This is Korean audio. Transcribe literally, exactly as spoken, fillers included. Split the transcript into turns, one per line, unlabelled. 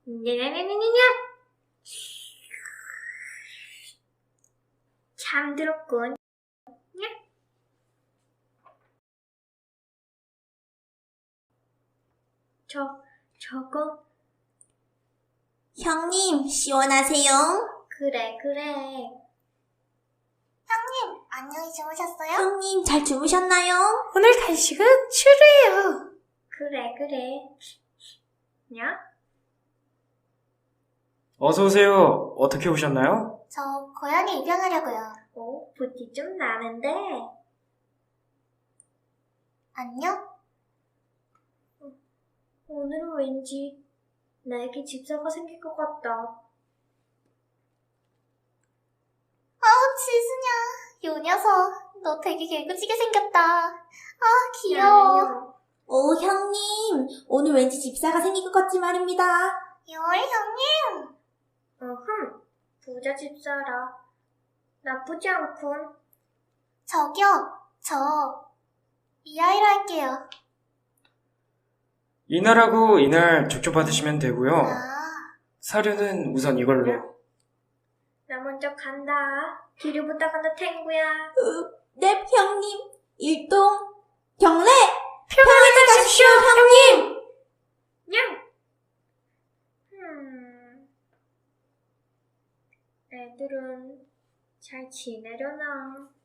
냐냐냐냐냐. 잠들었군. 저, 저거.
형님, 시원하세요?
그래, 그래.
형님, 안녕히 주무셨어요? 형님, 잘 주무셨나요?
오늘 간식은 추루예요.
그래, 그래. 냐?
어서오세요. 어떻게 오셨나요?
저 고양이 입양하려고요.
어, 부티 좀 나는데.
안녕?
오늘은 왠지 나에게 집사가 생길 것 같다.
아우, 지수냐. 요 녀석, 너 되게 개구지게 생겼다. 아, 귀여워. 오, 형님, 오늘 왠지 집사가 생길 것 같지 말입니다. 열, 형님.
어흠, 부자 집사라. 나쁘지 않군.
저기요, 저 이하이로 할게요.
이날하고 이날 족족 받으시면 되고요.
아,
사료는 우선 이걸로.
나 먼저 간다. 뒤를 부탁한다, 탱구야.
네, 형님. 일동, 경례!
평안히 가십시오, 형님!
냥! 음... 애들은 잘 지내려나?